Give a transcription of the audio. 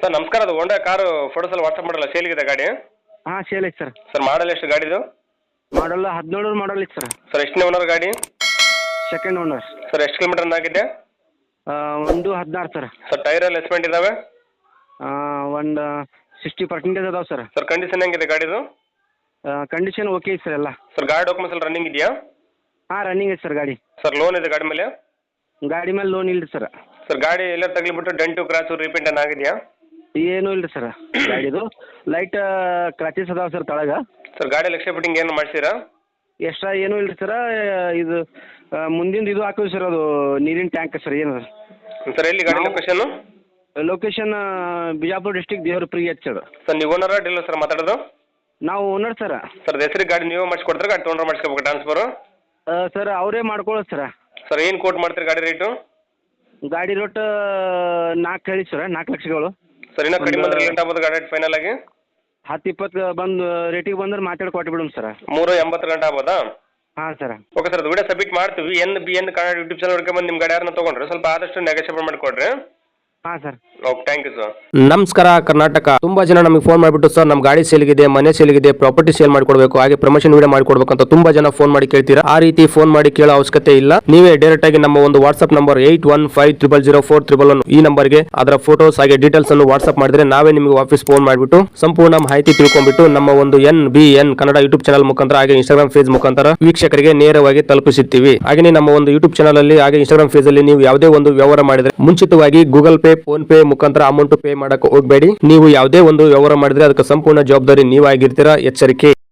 Sir ನಮಸ್ಕಾರ. ಅದು Honda car photos ಎಲ್ಲ ವಾಟ್ಸಪ್ ಮಾಡಲ್ಲ, ಸೇಲ್ಗಿದೆ ಗಾಡಿ? ಹಾಂ ಸೇಲ್ ಐತೆ ಸರ್. ಸರ್ ಮಾಡಲ್ ಎಷ್ಟು ಗಾಡಿದು? ಮಾಡಲ್ 17 ಮಾಡಲ್ ಐತೆ ಸರ್. ಸರ್ ಎಷ್ಟನೇ ಓನರ್ ಗಾಡಿ? Second owner. ಸರ್ ಎಷ್ಟು ಕಿಲೋಮೀಟರ್ ಆಗಿದೆ? ಒಂದು 16 ಸರ್. ಸರ್ ಟೈರ್ ಎಲ್ಲ ಎಸ್ಪೆಂಟ್ ಇದಾವೆ? ಒಂದು 60% ಅದಾವೆ ಸರ್. ಸರ್ ಕಂಡೀಷನ್ ಹೆಂಗಿದೆ ಗಾಡಿದು? ಕಂಡೀಷನ್ ಓಕೆ ಐತೆ ಸರ್ ಎಲ್ಲ. ಸರ್ ಗಾಡಿ ಡಾಕ್ಯುಮೆಂಟ್ಸ್ ಎಲ್ಲ ರನ್ನಿಂಗ್ ಇದೆಯಾ? ಹಾಂ ರನ್ನಿಂಗ್ ಐತೆ ಸರ್ ಗಾಡಿ. ಸರ್ ಲೋನ್ ಇದೆ ಗಾಡಿ ಮೇಲೆ? ಗಾಡಿ ಮೇಲೆ ಲೋನ್ ಇಲ್ಲ ಸರ್. ಸರ್ ಗಾಡಿ ಎಲ್ಲ ತಗಲಿಬಿಟ್ಟು ಡೆಂಟು ಕ್ರಾಚು ರೀಪೇಂಟ್ ಏನು ಆಗಿದೆಯಾ? ಏನೂ ಇಲ್ಲ ಸರ್ ಗಾಡಿದು. ಲೈಟ್ ಕ್ರಾಚಸ್ ಅದಾವೆ ಸರ್ ತಳಗ. ಸರ್ ಗಾಡಿ ಲಕ್ಷ ಫಿಟ್ಟಿಂಗ್ ಏನು ಮಾಡಿಸಿರಾ? ಎಕ್ಸ್ಟ್ರಾ ಏನೂ ಇಲ್ಲ ಸರ್. ಇದು ಮುಂದಿಂದು ಇದು ಹಾಕಿವಿ ಸರ್, ಅದು ನೀರಿನ ಟ್ಯಾಂಕ್ ಸರ್. ಏನು ಸರ್ ಎಲ್ಲಿ ಗಾಡಿ location? Location Bijapur district Devarapuri sir. Sir ನೀವು ಓನರ ಡೀಲರ್ ಸರ್ ಮಾತಾಡೋದು? ನಾವು ಓನರ್ ಸರ್. ಸರ್ ಹೆಸರಿಗೆ ಗಾಡಿ ನೀವೇ ಮಾಡಿಸ್ಕೊಡ್ತಾರೆ, ಗಾಡಿ ತೊಗೊಂಡ್ರೆ ಮಾಡಿಸ್ಕೋಬೇಕು ಟ್ರಾನ್ಸ್ಫರು? ಸರ್ ಅವರೇ ಮಾಡ್ಕೊಳ್ಳೋದು ಸರ್. ಸರ್ ಏನು ಕೋಟ್ ಮಾಡ್ತೀರಿ ಗಾಡಿ ರೇಟು? ಗಾಡಿ ರೇಟ್ 4 ಹೇಳಿ ಸರ್, 4 ಲಕ್ಷಗಳು. ಸರ್ ಇನ್ನೂ ಕಡಿಮೆ ಅಂದ್ರೆ ಲೇಟ್ ಆಗ್ಬೋದು ಗಾಡಿ ಫೈನಲ್ ಆಗಿ? 10-20 ಬಂದು ರೇಟಿಗೆ ಬಂದ್ರೆ ಮಾತಾಡಿ ಕೊಟ್ಟು ಬಿಡೋಣ ಸರ್. 380 ಗಂಟೆ ಆಗ್ಬೋದಾ? ಹಾಂ ಸರ್. ಓಕೆ ಸರ್, ಅದು ವಿಡಿಯೋ ಸಬ್ಮಿಟ್ ಮಾಡ್ತೀವಿ. NBN ಕನ್ನಡ ಯೂಟ್ಯೂಬ್ ಚಾನಲ್ ಹುಡ್ಕೊಂಡ್ಬಂದು ನಿಮ್ಮ ಗಾಡಿ ಯಾರನ್ನ ತೊಗೊಂಡ್ರೆ ಸ್ವಲ್ಪ ಆದಷ್ಟು ನೆಗೋಷಿಯೇಟ್ ಮಾಡಿಕೊಡ್ರಿ. ಹಾಂ sir. Okay, thank you sir. ನಮಸ್ಕಾರ ಕರ್ನಾಟಕ. ತುಂಬಾ ಜನ ನಮಗೆ ಫೋನ್ ಮಾಡಿಬಿಟ್ಟು ಸರ್ ನಮ್ಮ ಗಾಡಿ ಸೇಲ್ಗಿದೆ, ಮನೆ ಸೇಲ್ಗಿದೆ, ಪ್ರಾಪರ್ಟಿ ಸೇಲ್ ಮಾಡಿಕೊಡ್ಬೇಕು, ಹಾಗೆ ಪ್ರಮೋಷನ್ ವಿಡಿಯೋ ಮಾಡಿಕೊಡ್ಬೇಕು ಅಂತ ತುಂಬಾ ಜನ ಫೋನ್ ಮಾಡಿ ಕೇಳ್ತೀರಾ. ಆ ರೀತಿ ಫೋನ್ ಮಾಡಿ ಕೇಳೋ ಅವಶ್ಯಕತೆ ಇಲ್ಲ. ನೀವೇ ಡೈರೆಕ್ಟ್ ಆಗಿ ನಮ್ಮ ಒಂದು ವಾಟ್ಸ್ಆಪ್ ನಂಬರ್ 81500411 ಈ ನಂಬರ್ಗೆ ಅದರ ಫೋಟೋಸ್ ಹಾಗೆ ಡೀಟೇಲ್ಸ್ ಅನ್ನು ವಾಟ್ಸ್ಆಪ್ ಮಾಡಿದ್ರೆ ನಾವೇ ನಿಮಗೆ ವಾಪಸ್ ಫೋನ್ ಮಾಡಿಬಿಟ್ಟು ಸಂಪೂರ್ಣ ಮಾಹಿತಿ ತಿಳ್ಕೊಂಡ್ಬಿಟ್ಟು ನಮ್ಮ ಒಂದು NBN ಕನ್ನಡ ಯೂಟ್ಯೂಬ್ ಚಾನಲ್ ಮುಖಾಂತರ ಹಾಗೆ ಇನ್ಸ್ಟಾಗ್ರಾಮ್ ಪೇಜ್ ಮುಖಾಂತರ ವೀಕ್ಷಕರಿಗೆ ನೇರವಾಗಿ ತಲುಪಿಸುತ್ತೀವಿ. ಹಾಗೆ ನಮ್ಮ ಒಂದು ಯೂಟ್ಯೂಬ್ ಚಾನಲ್ ಅಲ್ಲಿ ಹಾಗೆ ಇನ್ಸ್ಟಾಗ್ರಾಮ್ ಪೇಜ್ ಅಲ್ಲಿ ನೀವು ಯಾವುದೇ ಒಂದು ವ್ಯವಹಾರ ಮಾಡಿದ್ರೆ ಮುಂಚಿತವಾಗಿ ಗೂಗಲ್ ಪೇ, ಫೋನ್ ಪೇ ಮುಖಾಂತರ ಅಮೌಂಟ್ ಪೇ ಮಾಡಕ್ಕೆ ಹೋಗಬೇಡಿ. ನೀವು ಯಾವುದೇ ಒಂದು ವ್ಯವಹಾರ ಮಾಡಿದ್ರೆ ಅದಕ್ಕೆ ಸಂಪೂರ್ಣ ಜವಾಬ್ದಾರಿ ನೀವಾಗಿರ್ತೀರಾ. ಎಚ್ಚರಿಕೆ.